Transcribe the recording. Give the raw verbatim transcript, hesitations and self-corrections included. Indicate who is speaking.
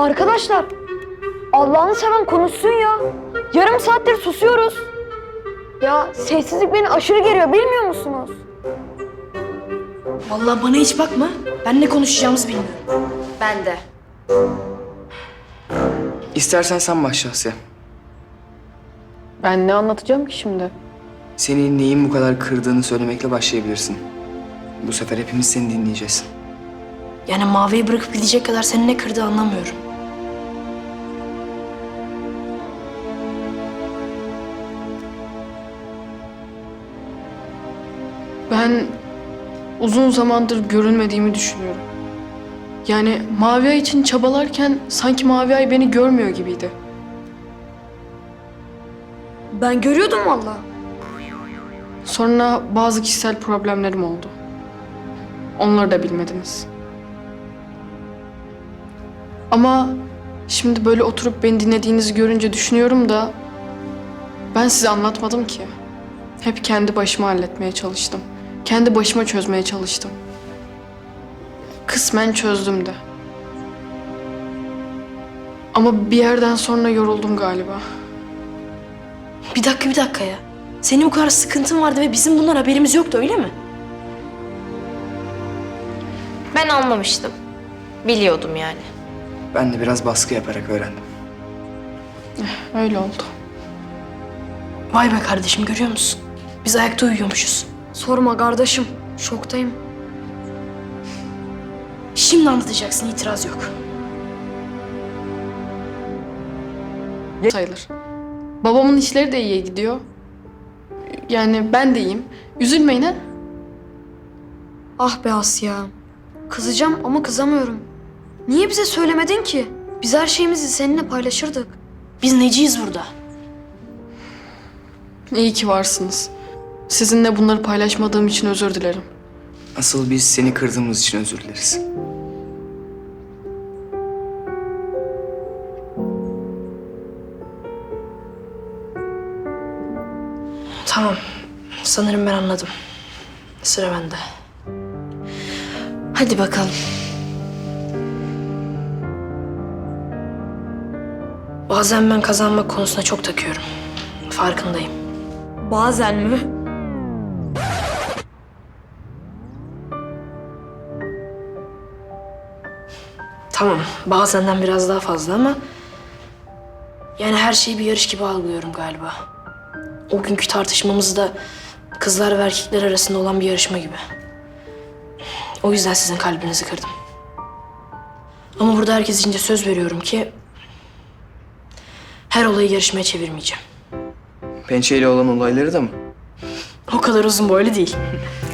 Speaker 1: Arkadaşlar, Allah'ını seven konuşsun ya. Yarım saattir susuyoruz. Ya sessizlik beni aşırı geriyor, bilmiyor musunuz?
Speaker 2: Vallahi bana hiç bakma. Ben ne konuşacağımızı bilmiyorum.
Speaker 3: Ben de.
Speaker 4: İstersen sen başla Asya.
Speaker 5: Ben ne anlatacağım ki şimdi?
Speaker 4: Seni neyin bu kadar kırdığını söylemekle başlayabilirsin. Bu sefer hepimiz seni dinleyeceğiz.
Speaker 2: Yani Mavi'yi bırakıp gidecek kadar seni ne kırdı anlamıyorum.
Speaker 5: Ben uzun zamandır görünmediğimi düşünüyorum. Yani Mavi Ay için çabalarken sanki Mavi Ay beni görmüyor gibiydi.
Speaker 1: Ben görüyordum vallahi.
Speaker 5: Sonra bazı kişisel problemlerim oldu. Onları da bilmediniz. Ama şimdi böyle oturup beni dinlediğinizi görünce düşünüyorum da ben size anlatmadım ki. Hep kendi başıma halletmeye çalıştım. Kendi başıma çözmeye çalıştım. Kısmen çözdüm de. Ama bir yerden sonra yoruldum galiba.
Speaker 2: Bir dakika bir dakika ya. Senin bu kadar sıkıntın vardı ve bizim bundan haberimiz yoktu öyle mi?
Speaker 3: Ben anlamıştım. Biliyordum yani.
Speaker 4: Ben de biraz baskı yaparak öğrendim.
Speaker 5: Öyle oldu.
Speaker 2: Vay be kardeşim görüyor musun? Biz ayakta uyuyormuşuz.
Speaker 1: Sorma kardeşim, şoktayım.
Speaker 2: Şimdi anlatacaksın itiraz yok.
Speaker 5: Sayılır. Babamın işleri de iyiye gidiyor. Yani ben de iyiyim. Üzülmeyin ha.
Speaker 1: Ah be Asya. Kızacağım ama kızamıyorum. Niye bize söylemedin ki? Biz her şeyimizi seninle paylaşırdık.
Speaker 2: Biz neciyiz burada?
Speaker 5: İyi ki varsınız. Sizinle bunları paylaşmadığım için özür dilerim.
Speaker 4: Asıl biz seni kırdığımız için özür dileriz.
Speaker 2: Tamam. Sanırım ben anladım. Sıra bende. Hadi bakalım. Bazen ben kazanmak konusuna çok takıyorum. Farkındayım.
Speaker 1: Bazen mi?
Speaker 2: Tamam, bazenden biraz daha fazla ama... Yani her şeyi bir yarış gibi algılıyorum galiba. O günkü tartışmamız da kızlar ve erkekler arasında olan bir yarışma gibi. O yüzden sizin kalbinizi kırdım. Ama burada herkes içince söz veriyorum ki... her olayı yarışmaya çevirmeyeceğim.
Speaker 4: Pençeyle olan olayları da mı?
Speaker 2: O kadar uzun boylu değil.